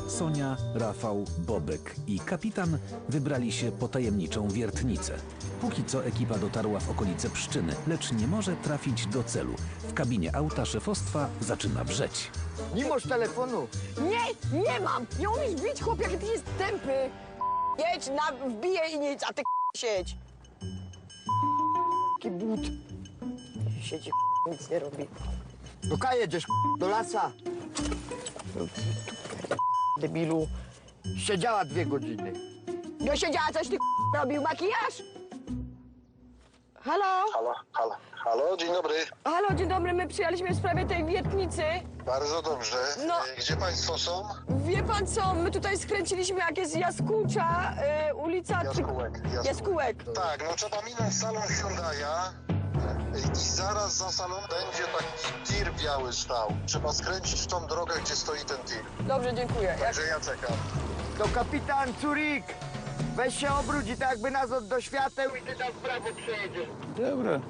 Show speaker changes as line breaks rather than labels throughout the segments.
Sonia, Rafał, Bobek i kapitan wybrali się po tajemniczą wiertnicę. Póki co ekipa dotarła w okolice Pszczyny, lecz nie może trafić do celu. W kabinie auta szefostwa zaczyna wrzeć.
Nie masz telefonu.
Nie mam! Nie umiesz bić, chłop, jaki ty jest tępy! Jedź, wbiję i nic, a ty siedź. Taki but. Siedzi, nic nie robi.
Do K jedziesz, do lasa.
Debilu.
Siedziała 2 godziny.
No siedziała, coś ty robił, makijaż? Halo?
Halo, dzień dobry.
Halo, dzień dobry, my przyjechaliśmy w sprawie tej wiertnicy.
Bardzo dobrze.
No.
Gdzie państwo są?
Wie pan co, my tutaj skręciliśmy, jak jest Jaskółcza, ulica... Jaskółek.
Tak, no trzeba minąć salon Hyundai'a i zaraz za salon będzie taki tir biały stał. Trzeba skręcić w tą drogę, gdzie stoi ten tir.
Dobrze, dziękuję.
Także ja czekam.
To kapitan Curik. Weź się obróć i tak jakby nas do świateł i ty tam w prawo przejedziesz.
Dobra.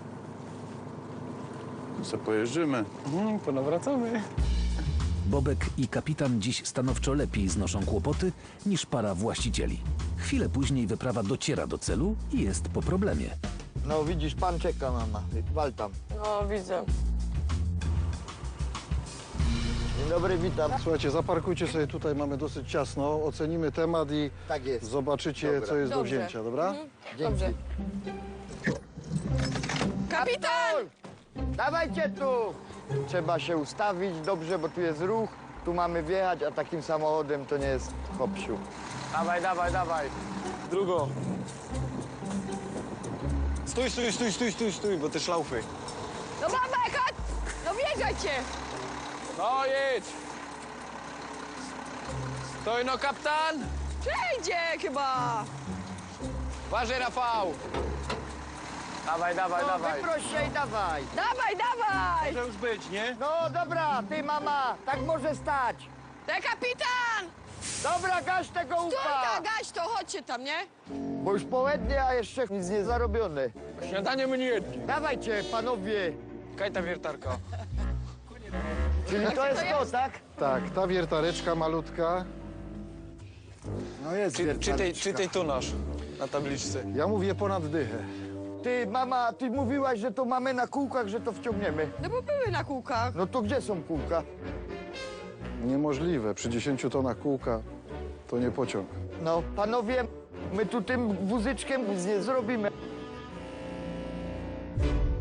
Co pojeżdżymy? Ponawracamy.
Bobek i kapitan dziś stanowczo lepiej znoszą kłopoty niż para właścicieli. Chwilę później wyprawa dociera do celu i jest po problemie.
No widzisz, pan czeka, mama. Wal tam.
No, widzę.
Dzień dobry, witam.
Słuchajcie, zaparkujcie sobie tutaj, mamy dosyć ciasno, ocenimy temat i
Tak jest.
zobaczycie,
Dobra.
co jest do
Dobrze.
wzięcia, dobra?
Dobrze. Kapitan!
Dawajcie tu! Trzeba się ustawić dobrze, bo tu jest ruch. Tu mamy wjechać, a takim samochodem to nie jest hopsiu.
Dawaj, dawaj, dawaj. Drugo. Stój, bo te szlaufy.
No babek, chodź! No wjeżdżajcie!
No jedź. Stoj no, kapitan.
Przejdzie chyba!
Uważaj, Rafał. Dawaj, dawaj,
No,
dawaj.
wyproś się i dawaj.
Dawaj, dawaj!
Może już być, nie?
No dobra, ty mama, tak może stać.
Te kapitan!
Dobra, gaś tego
Stój,
upa.
gaś to, chodźcie tam, nie?
Bo już połednie, a jeszcze nic nie zarobione.
Śniadanie my nie jedli.
Dawajcie, panowie.
Kaj ta wiertarka.
Czyli to jest to, tak?
Tak, ta wiertareczka malutka.
No jest
Czytaj tu nasz na tabliczce.
Ja mówię ponad dychę.
Ty, mama, ty mówiłaś, że to mamy na kółkach, że to wciągniemy.
No bo były na kółkach.
No to gdzie są kółka?
Niemożliwe, przy 10 tonach kółka to nie pociąg.
No, panowie, my tu tym wózyczkiem nic nie zrobimy.